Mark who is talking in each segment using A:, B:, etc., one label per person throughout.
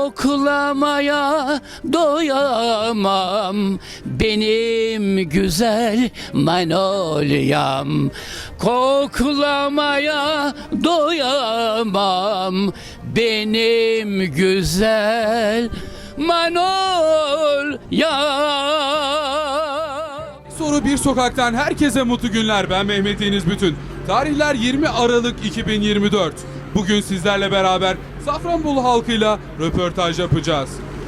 A: koklamaya doyamam benim güzel Manolyam. Koklamaya doyamam benim güzel Manolyam.
B: Soru Bir Sokak'tan herkese mutlu günler. Ben Mehmet Deniz Bütün. Tarihler 20 Aralık 2024. Bugün sizlerle beraber Safranbolu halkıyla röportaj yapacağız.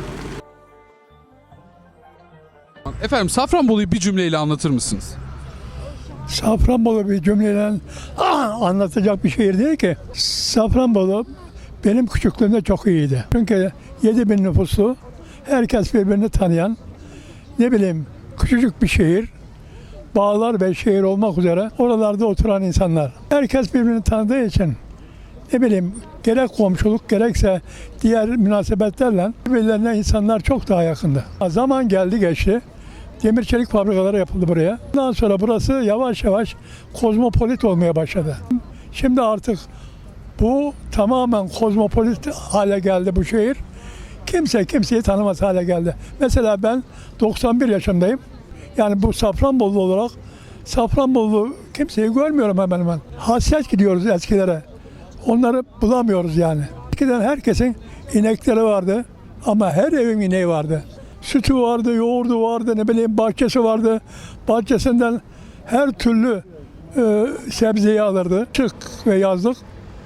B: Efendim, Safranbolu'yu bir cümleyle anlatır mısınız?
C: Safranbolu bir cümleyle anlatacak bir şehir değil ki. Safranbolu benim küçüklüğümde çok iyiydi. Çünkü 7.000 nüfuslu, herkes birbirini tanıyan, ne bileyim küçücük bir şehir, bağlar ve şehir olmak üzere oralarda oturan insanlar. Herkes birbirini tanıdığı için ne bileyim gerek komşuluk gerekse diğer münasebetlerle birbirlerine insanlar çok daha yakındı. Zaman geldi geçti. Demir çelik fabrikaları yapıldı buraya. Ondan sonra burası yavaş yavaş kozmopolit olmaya başladı. Şimdi artık bu tamamen kozmopolit hale geldi bu şehir. Kimse kimseyi tanımaz hale geldi. Mesela ben 91 yaşındayım. Yani bu Safranbolu olarak Safranbolu kimseyi görmüyorum hemen hemen. Hasret gidiyoruz eskilere. Onları bulamıyoruz yani. Eskiden herkesin inekleri vardı ama her evin ineği vardı. Sütü vardı, yoğurdu vardı, ne bileyim bahçesi vardı. Bahçesinden her türlü sebzeyi alırdı. Çık ve yazlık.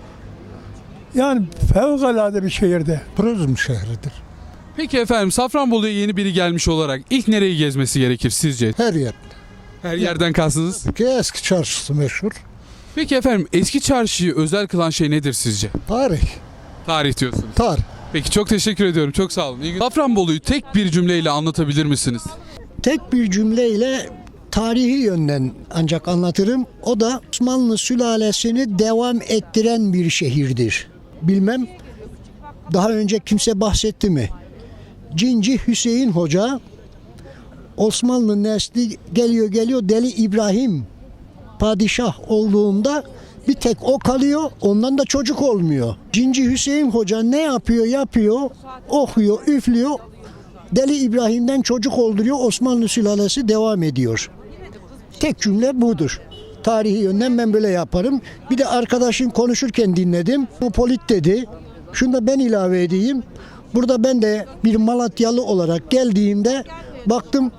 C: Yani fevkalade bir şehirdi.
D: Turizm şehridir.
B: Peki efendim, Safranbolu'ya yeni biri gelmiş olarak ilk nereyi gezmesi gerekir sizce?
D: Her yer.
B: Her yerden kastınız.
D: Ki eski çarşısı meşhur.
B: Peki efendim, eski çarşıyı özel kılan şey nedir sizce?
D: Tarih.
B: Tarih diyorsunuz.
D: Tarih.
B: Peki, çok teşekkür ediyorum. Çok sağ olun. Safranbolu'yu tek bir cümleyle anlatabilir misiniz?
E: Tek bir cümleyle tarihi yönden ancak anlatırım. O da Osmanlı sülalesini devam ettiren bir şehirdir. Bilmem daha önce kimse bahsetti mi? Cinci Hüseyin Hoca, Osmanlı nesli geliyor Deli İbrahim padişah olduğunda bir tek o kalıyor, ondan da çocuk olmuyor. Cinci Hüseyin Hoca ne yapıyor, okuyor, üflüyor. Deli İbrahim'den çocuk olduruyor, Osmanlı sülalesi devam ediyor. Tek cümle budur. Tarihi yönden ben böyle yaparım. Bir de arkadaşım konuşurken dinledim. Kozmopolit dedi. Şunu da ben ilave edeyim. Burada ben de bir Malatyalı olarak geldiğimde baktım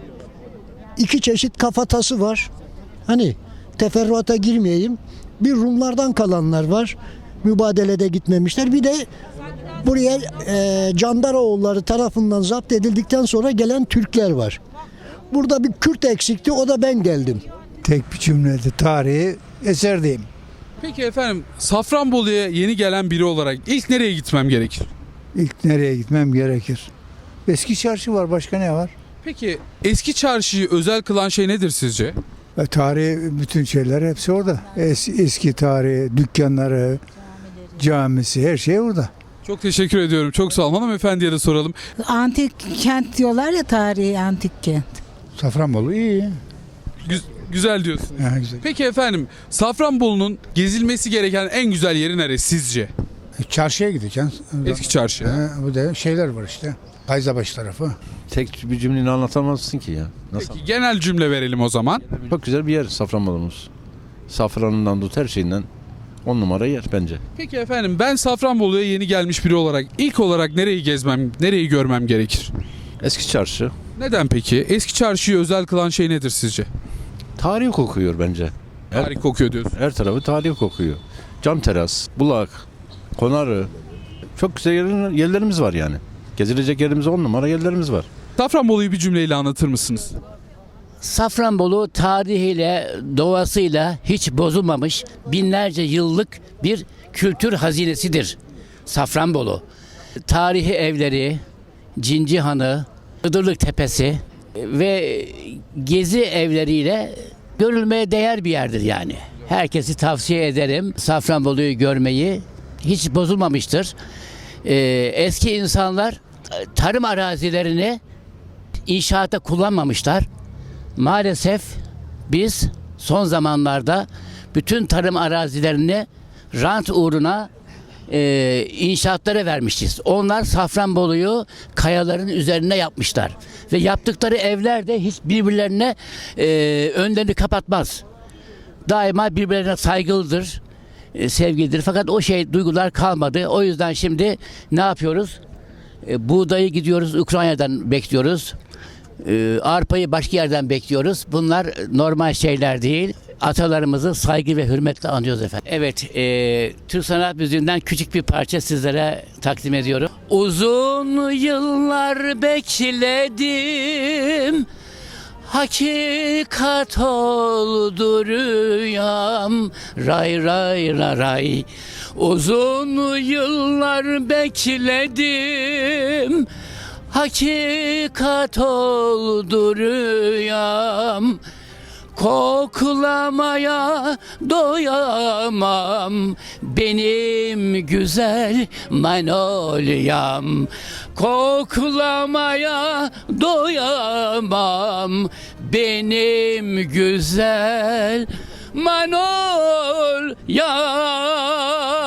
E: 2 çeşit kafatası var. Hani teferruata girmeyeyim. Bir Rumlardan kalanlar var. Mübadelede gitmemişler. Bir de buraya Candaroğulları tarafından zapt edildikten sonra gelen Türkler var. Burada bir Kürt eksikti. O da ben geldim.
F: Tek bir cümlede tarihi eser diyeyim.
B: Peki efendim, Safranbolu'ya yeni gelen biri olarak ilk nereye gitmem gerekir?
F: İlk nereye gitmem gerekir? Eski çarşı var, başka ne var?
B: Peki eski çarşıyı özel kılan şey nedir sizce?
F: Tarihi bütün şeyler hepsi orada. Eski tarihi, dükkanları, camisi, her şey orada.
B: Çok teşekkür ediyorum. Çok sağ olun. Hanımefendiye de soralım.
G: Antik kent diyorlar ya, tarihi antik kent.
F: Safranbolu iyi.
B: Güzel diyorsunuz.
F: Ha, güzel.
B: Peki efendim, Safranbolu'nun gezilmesi gereken en güzel yeri neresi sizce?
F: Çarşıya gideceksin.
B: Eski çarşı.
F: Bu da şeyler var işte. Kayzabaşı tarafı.
H: Tek bir cümleyle anlatamazsın ki ya. Nasıl?
B: Peki, genel cümle verelim o zaman.
H: Çok güzel bir yer Safranbolu'muz. Safranından tut her şeyinden 10 numara yer bence.
B: Peki efendim, ben Safranbolu'ya yeni gelmiş biri olarak ilk olarak nereyi görmem gerekir?
H: Eski çarşı.
B: Neden peki? Eski çarşıyı özel kılan şey nedir sizce?
H: Tarih kokuyor bence.
B: Tarih kokuyor diyorsun.
H: Her tarafı tarih kokuyor. Cam teras, bulak, konarı. Çok güzel yerlerimiz var yani. Gezilecek yerimiz 10 numara yerlerimiz var.
B: Safranbolu'yu bir cümleyle anlatır mısınız?
A: Safranbolu tarihiyle, doğasıyla hiç bozulmamış binlerce yıllık bir kültür hazinesidir. Safranbolu. Tarihi evleri, Cinci Hanı, Iğdırlık Tepesi ve gezi evleriyle görülmeye değer bir yerdir yani. Herkesi tavsiye ederim Safranbolu'yu görmeyi. Hiç bozulmamıştır. Eski insanlar tarım arazilerini inşaata kullanmamışlar. Maalesef biz son zamanlarda bütün tarım arazilerini rant uğruna inşaatlara vermişiz. Onlar Safranbolu'yu kayaların üzerine yapmışlar. Ve yaptıkları evler de hiç birbirlerine önlerini kapatmaz. Daima birbirlerine saygılıdır, sevgilidir. Fakat o duygular kalmadı. O yüzden şimdi ne yapıyoruz? Buğdayı gidiyoruz Ukrayna'dan bekliyoruz. Arpayı başka yerden bekliyoruz. Bunlar normal şeyler değil. Atalarımızı saygı ve hürmetle anıyoruz efendim. Evet, Türk sanat müziğinden küçük bir parça sizlere takdim ediyorum. Uzun yıllar bekledim, hakikat oldu rüyam, ray ray ray ray. Uzun yıllar bekledim, hakikat oldu rüyam. Koklamaya doyamam benim güzel Manolyam. Koklamaya doyamam benim güzel Manolyam.